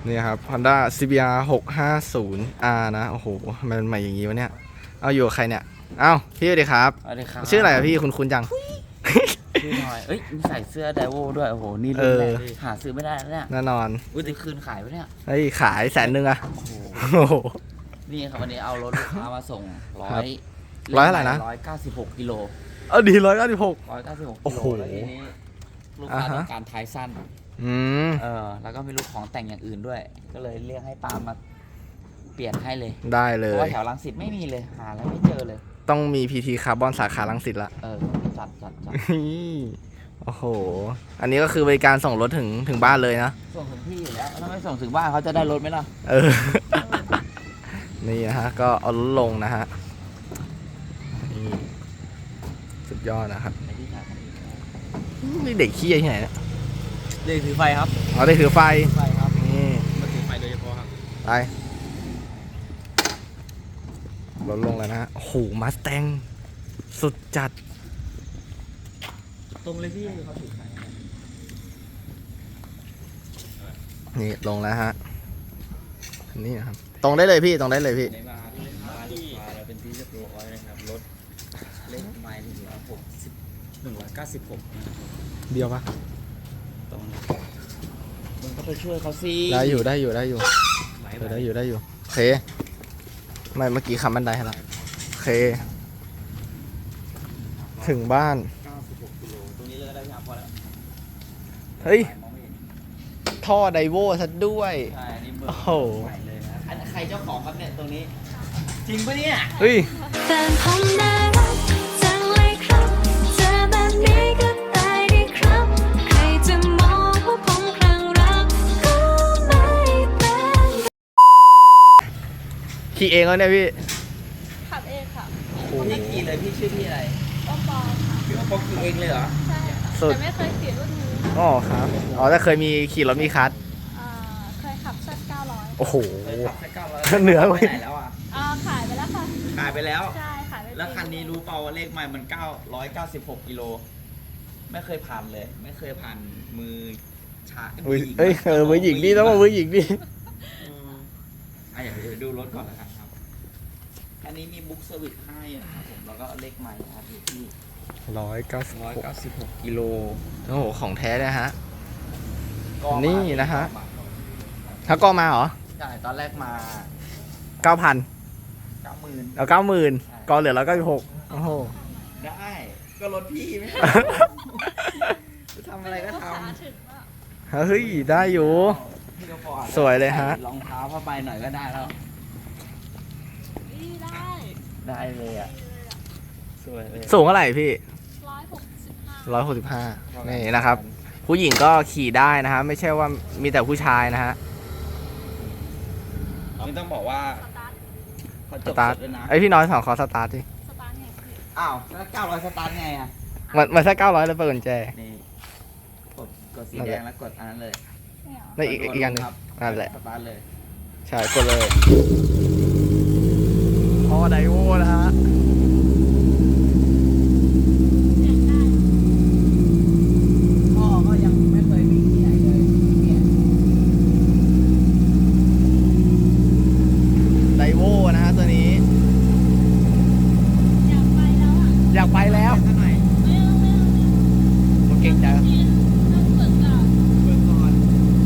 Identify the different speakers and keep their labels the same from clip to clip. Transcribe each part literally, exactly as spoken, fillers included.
Speaker 1: นี่ครับ Honda ซี บี อาร์ หกห้าศูนย์ อาร์ นะ โอ้โหมันใหม่อย่างงี้วะเนี่ย เอาอยู่กับใครเนี่ย เอ้าพี่สวัสดีครับ
Speaker 2: สวัสดีครับ
Speaker 1: ชื่ออะไรอะพี่คุณคุณจัง
Speaker 2: ชื่อหน่อยเอ้ยมีใส่เสื้อไดโวด้วย โอ้โห นี่รุ่นแรกเลยหาซื้อไม่ได้แล้วเนี่ย
Speaker 1: แน่นอน
Speaker 2: อุ้ยจะคืนขายปะเนี่ย
Speaker 1: เฮ้ยขายแสนหนึ่งอะ
Speaker 2: โอ้โห
Speaker 1: โอ้โห
Speaker 2: นี่ครับวันนี้เอารถลูกค้ามาส่งร้อ
Speaker 1: ครับ
Speaker 2: ย
Speaker 1: ร้อยเท่าไหร่นะ
Speaker 2: ร้อยเก้าสิบหกกิโล
Speaker 1: เอาดีร้อยเก้าสิบหก
Speaker 2: ร้อยเก้าสิบหก
Speaker 1: โอ้
Speaker 2: กิโล
Speaker 1: โห
Speaker 2: แล้วทีนี้ลูกค้า
Speaker 1: อ่าฮะ
Speaker 2: ต้องการท้ายสั้น
Speaker 1: อืม
Speaker 2: เออ แล้วก็ไม่รู้ของแต่งอย่างอื่นด้วย ก็เลยเรียกให้ปาล์มมาเปลี่ยนให้เลย
Speaker 1: ได้เล
Speaker 2: เพราะ
Speaker 1: ย
Speaker 2: ว่าแถวรังสิตไม่มีเลย หาแล้วไม่เจอเลย
Speaker 1: ต้องมี พี ที คาร์บอนสาขาลังสิตละ
Speaker 2: เออ จัดจัดจัด
Speaker 1: โอ้โห อันนี้ก็คือบริการส่งรถถึงถึงบ้านเลยนะ
Speaker 2: ส่งถึงที่อยู่แล้ว ถ้าไม่ส่งถึงบ้านเขาจะได้รถไหมล่ะ
Speaker 1: เออ นี่นะฮะ ก็เอารถลงนะฮะ นี่สุดยอดนะครับ
Speaker 2: ไปที่ไหน
Speaker 1: นี่เด็กขี้ที่ไหนเนี่ย
Speaker 2: เรียกถือไฟครับ
Speaker 1: เอาได้ถือไฟ
Speaker 2: ไฟครับ
Speaker 1: นี่
Speaker 2: มาถือไฟโดยเฉพาะครับ
Speaker 1: ไปรถลงแล้วนะฮะ โอ้โหมาสแตงสุดจัด
Speaker 2: ตรงเลยพี่เขาถือไฟ
Speaker 1: นี่ลงแล้วฮะ นี่นะครับ ตรงได้เลยพี่ ตรงได้เลยพี่
Speaker 2: ในมาที่มาลูกค้าเราเป็นที่เรียบร้อยนะครับรถเลขไมล์หนึ่งร้อยหกสิบหนึ่งร้อยเก้าสิบหก
Speaker 1: เดียวปะ
Speaker 2: ตรงมึงก็ไปช่วยเขาสิ
Speaker 1: ได้อยู่ได้อยู่ได้อยู่
Speaker 2: ไหว
Speaker 1: เออได้อยู่ได้อยู่โอเค ไม่เมื่อกี้คำบันไดให้ละโอเค ถึงบ้าน
Speaker 2: เก้าสิบหกกิโลตรงนี้เลยก็ได้พี่อาพอแล้ว
Speaker 1: เฮ้ย
Speaker 2: มองไม่เห็น
Speaker 1: ท่อไดโวซะด้วย
Speaker 2: ใช่อันนี้เบอร์
Speaker 1: โอ้โห
Speaker 2: ใหม่เลยนะอันใครเจ้าของครับเนี่ยตรงนี้ จริงปะเนี่ย
Speaker 1: เฮ้ย
Speaker 3: แฟนผมน่ารักจังเลยครับเจอแบบนี้ก็ตายดีครับ ใครจะมองว่าผมคลั่งรักก็ไม่เป็น
Speaker 1: ขี่เองแล้วเนี่ยพี่
Speaker 4: ขับเองค่ะ
Speaker 2: พี่ขี่เลยพี่ชื่อพี่อะไร
Speaker 4: ป้อมปอมค่ะ
Speaker 2: พี่ว่าปอกขี่เองเลยเหรอ
Speaker 4: ใช่ค่ะ
Speaker 1: สุด
Speaker 4: แต่ไม่เคยขี่รุ่นนี้
Speaker 1: อ๋อครับ อ๋อแต่เคยมีขี่รถมีคัส
Speaker 4: อ่าเคยขับสักเก้าร้อย
Speaker 1: โอ้โห
Speaker 2: เคยขับแค่เก้าร้อย
Speaker 1: เหนือ
Speaker 2: ไป
Speaker 1: เว้ย
Speaker 2: ไหนแล้วอ่ะ
Speaker 4: อ่าขายไปแล้วค่ะ
Speaker 2: ขายไปแล้ว
Speaker 4: ใช่ขายไป
Speaker 2: แล้วคันนี้รู้เปล่าว่าเลขใหม่มันเก้าร้อยเก้าสิบหกกิโล ไม่เคยผ่านเลย ไม่เคยผ่านมือชาย
Speaker 1: เอ้ย
Speaker 2: หญิง
Speaker 1: เอ้ยเออมือหญิงดิต้องมามือหญิงดิ
Speaker 2: อืมอ่ะเดี๋ยวดูรถก่อนแล้วกันครับ อันนี้มีบุ๊กเซอร์วิสให้นะครับผม แล้วก็เลขใหม่นะครับอยู่ที่
Speaker 1: ร้อยเก้าสิบ
Speaker 2: ร้อย
Speaker 1: หก
Speaker 2: เก้าสิบหกกิโล
Speaker 1: โอ้โห ของแท้เลยฮะ
Speaker 2: ก็มา
Speaker 1: นี่นะฮะ ถ้าก็มาเหรอ
Speaker 2: ใช่ตอนแรกมา
Speaker 1: เก้าพัน
Speaker 2: เก้าหมื่น
Speaker 1: เอาเก้าหมื่นก็เหลือร้อยเก้าสิบหกโอ้โห
Speaker 2: ได้ ก็รถพี่ไม่ใช่ จะทำอะไรก็
Speaker 4: ลูก
Speaker 2: ท
Speaker 4: ค้าถึงว่า
Speaker 1: เฮ้ย ได้อยู่
Speaker 2: ำพี่ก็พอ
Speaker 1: สวยเลยฮะ
Speaker 2: ใส่รองเท้าผ้าใบหน่อยก็ได้แล้ว
Speaker 4: ดีได้
Speaker 2: ได้เลยอ่ะ สวยเลย
Speaker 1: สูงเท่าไหร่พี่
Speaker 4: ร้อยหกสิบห้า
Speaker 1: ร้อยหกสิบห้านี่นะครับ ผู้หญิงก็ขี่ได้นะฮะ ไม่ใช่ว่ามีแต่ผู้ชายนะฮะ
Speaker 2: นี่ต้องบอกว่า
Speaker 4: สตาร์ท
Speaker 2: เขา
Speaker 1: ส
Speaker 2: จบ
Speaker 1: ตาร์ท
Speaker 2: สดด้วยนะ
Speaker 1: ไอยพี่น้อยสองขอสตาร์ทดิ
Speaker 4: สตาร์ทไงพี่
Speaker 2: อ้าวแล้วเก้าร้อยสตาร์ทไงอ่ะ
Speaker 1: มันมันแค่เก้าร้อยแล้วเปิดกุญแจ
Speaker 2: นี่กดกดสี
Speaker 1: นั่น
Speaker 2: แด
Speaker 1: แหละ
Speaker 2: งแล้วกดอันนั้นเลย
Speaker 4: ไม่เอา
Speaker 1: แล้วอีกอีกอันหนึง
Speaker 2: ครับ
Speaker 1: นั่นแหละ
Speaker 2: สตาร์ทเลย
Speaker 1: ใช่กดเลยพอไดโวนะฮะ
Speaker 4: เสียงได้
Speaker 2: พ่อก็ยังไม่เคยวิ่งที่ไหนเลยเนี่ย
Speaker 1: ไดโวนะฮะตัวนี้
Speaker 4: อยากไปแล้วอ่ะ
Speaker 1: อยากไปแล้ว
Speaker 2: ข้างใน
Speaker 4: ไม่เอาไม่เอาไม่เอา
Speaker 1: ผมเก่งใจ
Speaker 4: พี่ต้องฝึกก่อน
Speaker 2: เบิกก่อน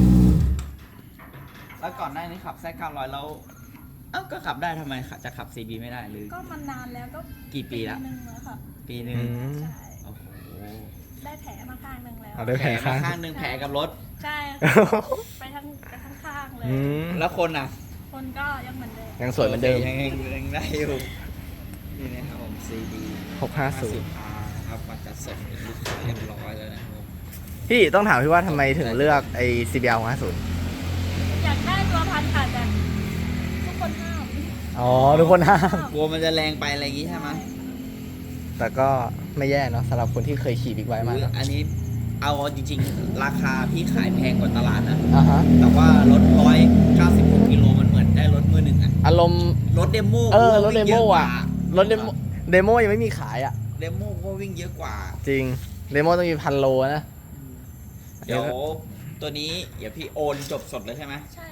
Speaker 2: แล้วก่อนหน้านี้ขับแซเก้าร้อยแล้วเอ้าก็ขับได้ทำไมจะขับ ซี บี ไม่ได้หรือ
Speaker 4: ก็มันนานแล้วก็
Speaker 2: กี่ปีละ
Speaker 4: นึงแล้วค่ะ
Speaker 2: ปีหนึ่ง
Speaker 1: อืม
Speaker 4: ใช่
Speaker 2: โอ้โห
Speaker 4: ได้แผลมาข้างหนึ่งแล้ว
Speaker 1: เอาได้
Speaker 2: แผ
Speaker 1: แผ
Speaker 2: ล
Speaker 1: ล
Speaker 2: มา
Speaker 1: ข้าง
Speaker 2: ข้างหนึ่งแผลกับรถ
Speaker 4: ใช่ไปทั้งไปทั้งข้างเลย
Speaker 1: อืม
Speaker 2: แล้วคนอ่ะ
Speaker 4: คนก็ยังเหมือนเดิม
Speaker 1: ยังสวยเหมือนเดิม
Speaker 2: ยังยังยังได้อยู่นี่นะครับผม ซี ดี
Speaker 1: หกห้าศูนย์
Speaker 2: อาร์ครับมาจัดส่งเป็นลูกค้าเรียบร้อยแล้วนะครับผม
Speaker 1: พี่ต้องถามพี่ว่าทำไมถึงเลือกไอ้ ซี บี อาร์ หกห้าศูนย์
Speaker 4: อยากได้ตัวพันค่ะแต่ทุกคนห้าม
Speaker 1: อ๋อ ทุกคนห้าม
Speaker 2: กลัวมันจะแรงไปอะไรอย่างงี้ใช่ไหม
Speaker 1: แต่ก็ไม่แย่เนาะสำหรับคนที่เคยขี่บิ๊กไบค์มา
Speaker 2: อุ๊ย
Speaker 1: เนอะ
Speaker 2: อันนี้เอาจริงๆ ราคาพี่ขายแพงกว่าตลาดนะ
Speaker 1: อ่าฮะ
Speaker 2: แต่ว่ารถร้อยเก้าสิบหกกิโลมันเหมือนได้รถมือหนึ่งอะ
Speaker 1: อารมณ์
Speaker 2: รถเดโม
Speaker 1: เออรถ
Speaker 2: วิ่งย
Speaker 1: เดโม
Speaker 2: กว่า
Speaker 1: อะ รถเดโมเดโมยังไม่มีขายอ่ะ
Speaker 2: เดโมก็วิ่งเยอะกว่า
Speaker 1: จริง เดโมต้องมีพันโลนะ
Speaker 2: เดี๋ยวตัวนี้เดี๋ยวพี่โอนจบสดเลยใช่ไหม
Speaker 4: ใช่ค่ะ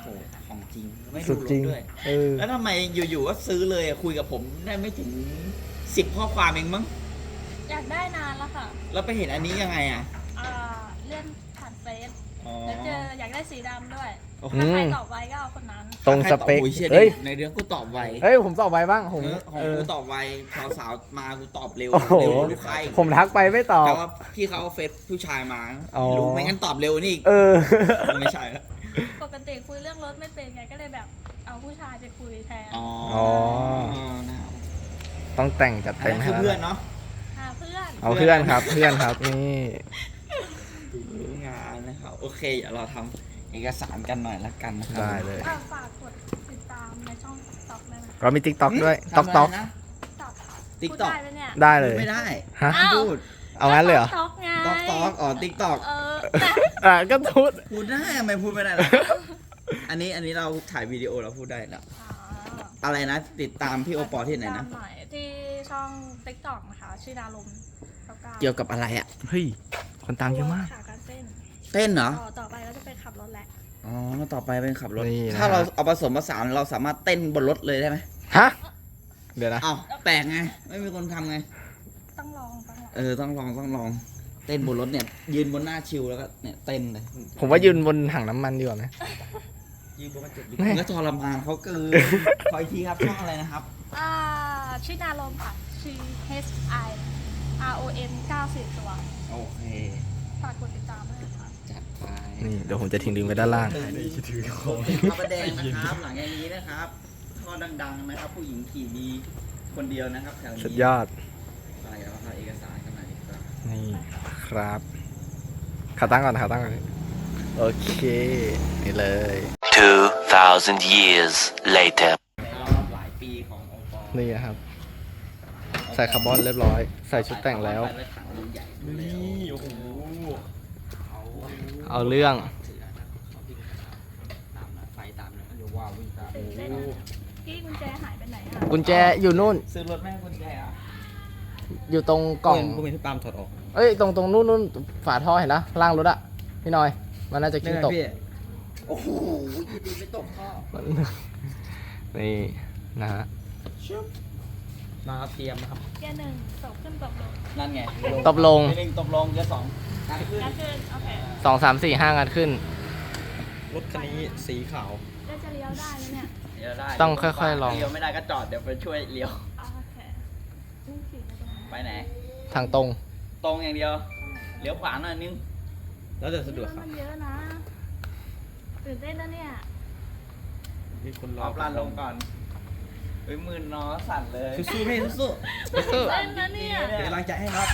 Speaker 2: โหของจริงไม่
Speaker 1: สุ
Speaker 2: ดู
Speaker 1: ด
Speaker 2: ร
Speaker 1: จริ
Speaker 2: ถ
Speaker 1: ง
Speaker 2: ด้วย
Speaker 1: เออ
Speaker 2: แล้วทำไมอยู่ๆก็ซื้อเลยอะคุยกับผมได้ไม่ถึงสิบข้อความเองมั้ง
Speaker 4: อยากได้นานแล้วค่ะ
Speaker 2: แล้วไปเห็นอันนี้ยังไงอ่ะ
Speaker 4: อ่าเลื่อนผ่านเฟซ
Speaker 2: อ๋อ
Speaker 4: แล้วเจออยากได้สีดำด้วย
Speaker 2: โอ้โห
Speaker 4: ถ้าใครตอบไว้ก็เอาคนนั้น
Speaker 1: ตรงสเปค
Speaker 2: โอ้ยเชี่ย
Speaker 1: เฮ้ย
Speaker 2: ในเรื่องกูตอบไว
Speaker 1: เฮ้ย ผมตอบไวบ้าง ผม
Speaker 2: เออของ
Speaker 1: เออ
Speaker 2: กูตอบไวสาวสาวๆมากูตอบเร็ว
Speaker 1: โอ้โห
Speaker 2: เร็วกว่าลูกค้าอีก
Speaker 1: ผมทักไปไม่ตอบ
Speaker 2: แต่ว่าพี่เขาเอาเฟซผู้ชายมา
Speaker 1: อ๋อ
Speaker 2: ไม่รู้ไม่งั้นตอบเร็วนี่อีก
Speaker 1: เออ
Speaker 2: ไม่ใช่แล้ว
Speaker 4: ปกติคุยเรื่องรถไม่เป็นไงก็เลยแบบเอาผู้ชายไปคุยแทน
Speaker 2: อ๋อ
Speaker 1: อ๋อ
Speaker 2: นะครับ
Speaker 1: ต้องแต่งจัด
Speaker 2: อัน
Speaker 1: เต็ม
Speaker 2: นั้น
Speaker 1: ให้
Speaker 2: คือ
Speaker 1: แล้ว
Speaker 2: เพื่อน
Speaker 1: นะ
Speaker 2: เนาะ
Speaker 4: หาเพื่อน
Speaker 1: เอาเพื่อนครับ เพื่อนครับ นี่
Speaker 2: รู้งานนะครับโอเคเดี๋ยวเราทำเอกสารกันหน่อยละกันนะครั
Speaker 1: ได้เลย
Speaker 4: อ่ะฝากกดติดตามในช่องต็อกได้ไหม
Speaker 1: เรามีติ๊กต็อกด้วย
Speaker 2: ทำ
Speaker 1: ต็อกต็อก
Speaker 2: ะไรนะ
Speaker 4: ต็อก
Speaker 2: ติ๊ก
Speaker 4: พูด
Speaker 2: ต็อก
Speaker 4: ได้ไหมเนี่ย
Speaker 1: ได้เลย
Speaker 2: ไม่ได้
Speaker 1: ฮะ
Speaker 4: อ้าว
Speaker 2: พูด
Speaker 1: เอางั้นเลยเหรอ
Speaker 4: ต็อกไง
Speaker 2: ต็อกต็อกอ๋อติ๊กต็อก
Speaker 4: เออแต่
Speaker 1: อ่ะก็ทุด
Speaker 2: พูดได้ทำไมพูดไม่ได้ล่ะ อันนี้อันนี้เราถ่ายวิดีโอเราพูดได้แล้ว
Speaker 4: อ๋อ
Speaker 2: อะไรนะ ติดตามพี่โอปอที่ไหนนะ
Speaker 4: ตามหน่อยที่ช่องติ๊กต็อกนะคะชื่อดารุมแล้วก็
Speaker 2: เกี่ยวกับอะไรอ่ะ
Speaker 1: เฮ้ย คนตามเยอะมาก
Speaker 4: ขาการเต้น
Speaker 2: เต้นเหรอ
Speaker 4: ต่อต่อไปก็จะไปขับรถแหละ
Speaker 2: อ๋อ ต่อไปเป็นขับรถ
Speaker 1: นี่นะ
Speaker 2: ถ้าเราเอาผสมผสานเราสามารถเต้นบนรถเลยได้ไหม
Speaker 1: ฮะ เดี๋ยวนะ
Speaker 2: อ้าวแปลกไง ไม่มีคนทำไง
Speaker 4: ต้องลองต้องลอง
Speaker 2: เออ ต้องลองต้องลอง เต้นบนรถเนี่ย ยืนบนหน้าชิวแล้วก็เนี่ยเต้นเลย
Speaker 1: ผมว่ายืนบนถังน้ำมันดีกว่าไหม
Speaker 2: ยืนบนกระจก
Speaker 1: แม่
Speaker 2: ก็ทรมานเขาเกิน ขออีกทีครับช่องอะไรนะครับ
Speaker 4: อ่าชื่อดารุมค่ะชื่อ H I R O M เก้าสิบตัว
Speaker 2: โอเค
Speaker 4: ฝากกดติดตามด้วยนะคะ
Speaker 2: จัดไป
Speaker 1: นี่เดี๋ยวผมจะทิ้งลิงก์ไว้ด้านล่าง
Speaker 2: ถือของพระประแดงนะครับ หลังจากนี้นะครับท่อดังๆนะครับ ผู้หญิงขี่ดีคนเดียวนะครับแถวนี้
Speaker 1: สุดยอด
Speaker 2: ไปแล้วถ่ายเอกสารกันหน่อยดีกว่า
Speaker 1: นี่ครับขาตั้งก่อนขาตั้งก่อน โอเค นี่เลย
Speaker 5: two thousand years later.
Speaker 2: หลายปีขององค์กร
Speaker 1: นี่นะครับ ใส่คาร์บอนเรียบร้อย ใส่ชุดแต่งแล้ว
Speaker 2: ไปถังดูใหญ่นี่โอ้โหเอา
Speaker 1: เอาเรื่อง
Speaker 2: ถือนะครับเขาวิ่งตามนะไฟตามนะเดี๋ยวว่าวิ่งตาม
Speaker 4: ตื่นเต้นนะพี่กุญแจหายไปไหนอ่ะ
Speaker 1: กุญแจอยู่นู่น
Speaker 2: ซื้อรถแม่กุญแจอ่ะ
Speaker 1: อยู่ตรงกล่อง
Speaker 2: กูเป็นที่ปามถอดออก
Speaker 1: เอ้ย ตรงตรงนู่นนู่นฝาท่อเห็นนะล่างรถอะพี่หน้อย มันน่าจะกิ้งตก
Speaker 2: โอ้โหยินดีไม่ตกท่อ
Speaker 1: นี่นะฮะ
Speaker 2: มาเตรียมนะครับ
Speaker 4: เกียร์หนึ่งตกขึ้นตกลง
Speaker 2: นั่นไง
Speaker 1: ตบลง
Speaker 2: หนึ่งตบลงเกียร์สองการขึ้น
Speaker 4: ก็คือโอเค
Speaker 1: สองสามสี่ห้างัดขึ้น
Speaker 2: รถคันนี้สีขาว
Speaker 4: แล้วจะเลี้ยวได้ไหมเนี่ย
Speaker 2: เลี้ยวได้
Speaker 1: ต้องค่อยๆลอง
Speaker 2: เลี้ยวไม่ได้ก็จอดเดี๋ยวไปช่วยเลี้ยว
Speaker 4: อ๋อโอเคนี่ขี่ไปตรงนั้น
Speaker 2: ไปไหน
Speaker 1: ทางตรง
Speaker 2: ตรงอย่างเดียว เลี้ยวขวาหน่อยนึง แล้วจะสะดวกครับ
Speaker 4: มันเยอะนะตื่นเต้นนะเนี่ย
Speaker 2: มีคนรอบลานลงก่อนเฮ้ยมือน้อสั่นเลยสู้ๆพี่สู้ๆ
Speaker 4: ตื่นเต้นนะเนี่ย
Speaker 2: เป็นกำลังใจให้ครับ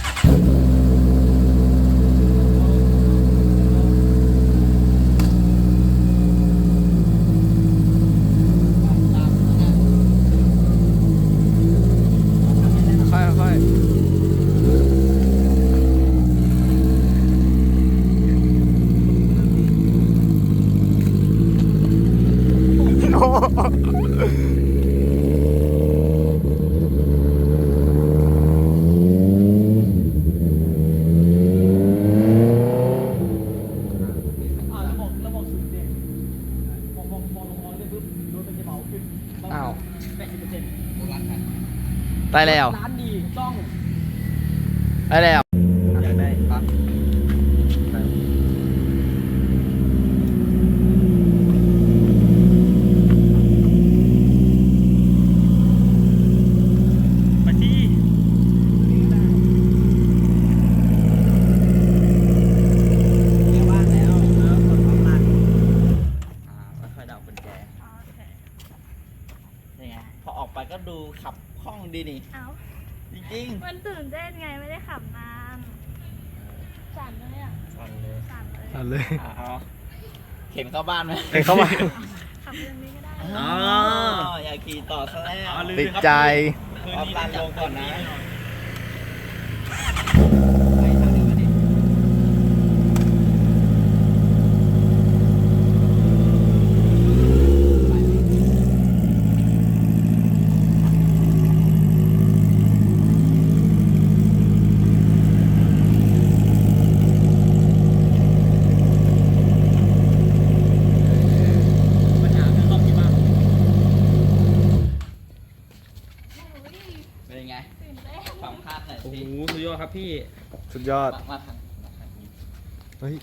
Speaker 1: ค่อยค่อยอ้าวได้แล้ว
Speaker 2: ร้านดีต้อง
Speaker 1: ได้แล้ว
Speaker 2: อยากได้ปะมาที่เรียกบ้านแล้วแล้วกดพร้อมกันอ่าแล้วค่อยเดากุญแจ
Speaker 4: อ๋อโอเค
Speaker 2: นี่ไงพอออกไปก็ดูขับคล่องดีนี่
Speaker 4: เอ้า
Speaker 2: จริง
Speaker 4: มันตื่นเต้นไงไม่ได้ขับนานสั่นเลยอ่ะ
Speaker 2: ๆสั่นเลย
Speaker 4: สั่นเลย
Speaker 1: เอาเลย
Speaker 2: เอาเข็นเข้าบ้านไหม
Speaker 1: เห็นเข้ามา
Speaker 4: ขับเรื่องนี้ก็ได้
Speaker 2: อ๋ออยากขี่ต่อซะแล้ว
Speaker 1: ติดใจ
Speaker 2: ออกลานลงก่อนนะ
Speaker 6: พี่
Speaker 1: สุดยอด
Speaker 2: มามาทางมาทางนี้
Speaker 1: เฮ้ยเท่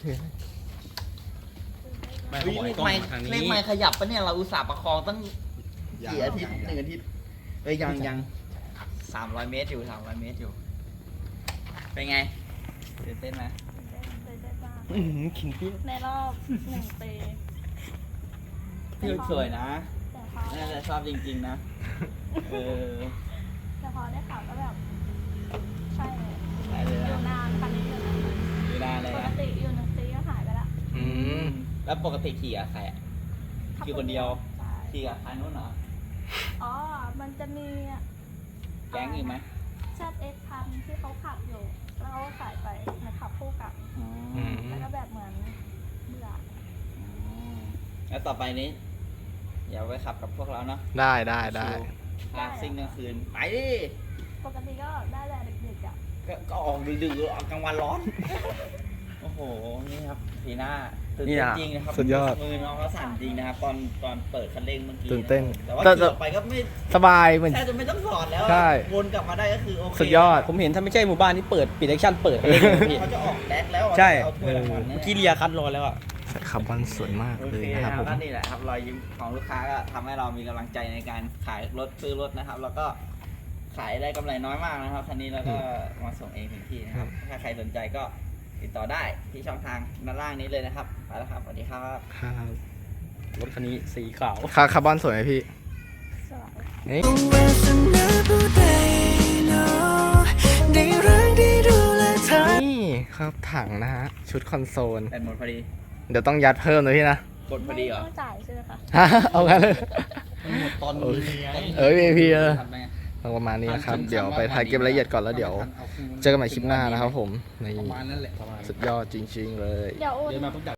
Speaker 6: ไม่
Speaker 2: เฮ้ย
Speaker 6: ขอ
Speaker 2: เล
Speaker 6: ให้
Speaker 2: ข
Speaker 6: กล้อง
Speaker 2: ไม้
Speaker 6: มาทาง
Speaker 2: เลข
Speaker 6: นี้
Speaker 2: ไม้ขยับปะเนี่ยเราอุตส่าห์ประคองตั้งกี่อาทิตย์หนึ่งอาทิตย์เอ้ยยังยังสามร้อยเมตรอยู่สามร้อยเมตรอยู่ เป็นไงตื่นเต้นไหม
Speaker 4: ตื่นเต้นมาก
Speaker 6: อื้อหือขิงพี่
Speaker 4: ในรอบหนึ่งปี
Speaker 2: พี่สวยนะ
Speaker 4: แต่พอ
Speaker 2: น่าจะชอบจริงๆนะ เออ
Speaker 4: แต่พอได้ข่าวก็แบบ ใช่เลย
Speaker 2: ได้เลย
Speaker 4: อยู่
Speaker 2: นะ
Speaker 4: นานคันนี้อยู่นาน
Speaker 2: ดูได้เลย
Speaker 4: ปก
Speaker 2: นะ
Speaker 4: ติอยู่หนึ่งปีก็หายไปละ
Speaker 1: อืม
Speaker 2: แล้วปกติขี่กับใครอะ ขี่คนเดียว
Speaker 4: ใช่
Speaker 2: ขี่กับคันนู้นเหรอ
Speaker 4: อ๋อ มันจะมี
Speaker 2: แก๊งอีกไหม
Speaker 4: แซดเอ็กพันที่เขาขับอยู่ แล้วเขาก็ขายไปมาขับคู่กับ
Speaker 2: อ๋อ
Speaker 1: อืม
Speaker 4: แล้วก็แบบเหมือนเบื่อ
Speaker 2: แล้วต่อไปนี้อย่าไปขับกับพวกเราเนาะ
Speaker 1: ได้ได้ได้
Speaker 2: ลากซิ่งกลางคืน ไปดิ
Speaker 4: ปกติก็ได้แต่เด็กๆอ่ะ
Speaker 2: ก็ก็ออกดึกๆออกกลางวันร้อน โอ้โห นี่ครับพีหน้าตื่น
Speaker 1: นี่
Speaker 2: เต้น
Speaker 1: อะ
Speaker 2: จริงนะครับ
Speaker 1: สุดยอด
Speaker 2: มือน้องเขาสั่นจริงนะครับ ตอนตอนเปิดคันเร่งเมื่อกี้
Speaker 1: ตื่นเต้น
Speaker 2: แต่ว่า
Speaker 1: แต่
Speaker 2: ขี่ออกไปก็ไม่
Speaker 1: สบายเหมือน
Speaker 2: แทบจะไม่ต้องสอนแล้ว
Speaker 1: ใช่
Speaker 2: วนกลับมาได้ก็คือโอเค
Speaker 1: สุดยอด
Speaker 6: ผมเห็นถ้าไม่ใช่หมู่บ้านที่เปิดปิดแอคชั่นเปิดอะไรอย่างเงี้ยพี่
Speaker 2: เขาจะออกแดกแล้วอะ
Speaker 6: ใช่
Speaker 2: เอาถ้วยรางวัล
Speaker 6: เมื่
Speaker 2: เนี่ย
Speaker 6: อกี้เรียคัดรอแล้วอ่ะ
Speaker 1: ใส่คาร์บอนสวยมาก
Speaker 2: โอ
Speaker 1: เลย
Speaker 2: เค
Speaker 1: นะ
Speaker 2: นะ
Speaker 1: ค
Speaker 2: ค
Speaker 1: รั
Speaker 2: รั
Speaker 1: บบ ผม
Speaker 2: ก็นี่แหละครับรอยยิ้มของลูกค้าก็ทำให้เรามีกำลังใจในการขายรถซื้อรถนะครับ แล้วก็ขายได้กำไรน้อยมากนะครับคันนี้แล้วก็มาส่งเองถึงที่นะครับ ถ้าใครสนใจก็ติดต่อได้ที่ช่องทางด้านล่างนี้เลยนะครับไปแล้วครับสวัสดีครับ
Speaker 1: ครับ
Speaker 6: รถคันนี้สีขาว
Speaker 1: คาคาร์บอนสวยไหมพี่
Speaker 4: สวัสดี
Speaker 1: นี่
Speaker 3: วาสนาผู้ใดเนาะได้รักได้ดูแลเธอ
Speaker 1: นี่ครับถังนะฮะ ชุดคอนโซล
Speaker 2: แบตหมดพอดี
Speaker 1: เดี๋ยวต้องยัดเพิ่มเลยพี่นะ
Speaker 2: กดพอดีเหรอ
Speaker 4: ไม่ต้องจ่ายใช่ไหมคะ
Speaker 1: ฮะเอางั้นเลย
Speaker 2: หมดตอน
Speaker 1: โอ
Speaker 2: นี้
Speaker 1: เค
Speaker 2: ไง
Speaker 1: เอ้ยพี่เออ
Speaker 2: ทำไง
Speaker 1: ประมาณนี้นะครับ
Speaker 2: ทำ
Speaker 1: เดี๋ยวไป
Speaker 2: ทำ
Speaker 1: ถ่ายเก็บรายละเอียดก่อนแล้วเดี๋ยว เจอกันใหม่คลิปหน้านะครับผม ใน
Speaker 2: ประมาณนั้นแหละประมาณ
Speaker 1: สุดยอดจริง ๆ เลย
Speaker 4: เดี๋ยวโอน
Speaker 2: เดินมาปุ๊บ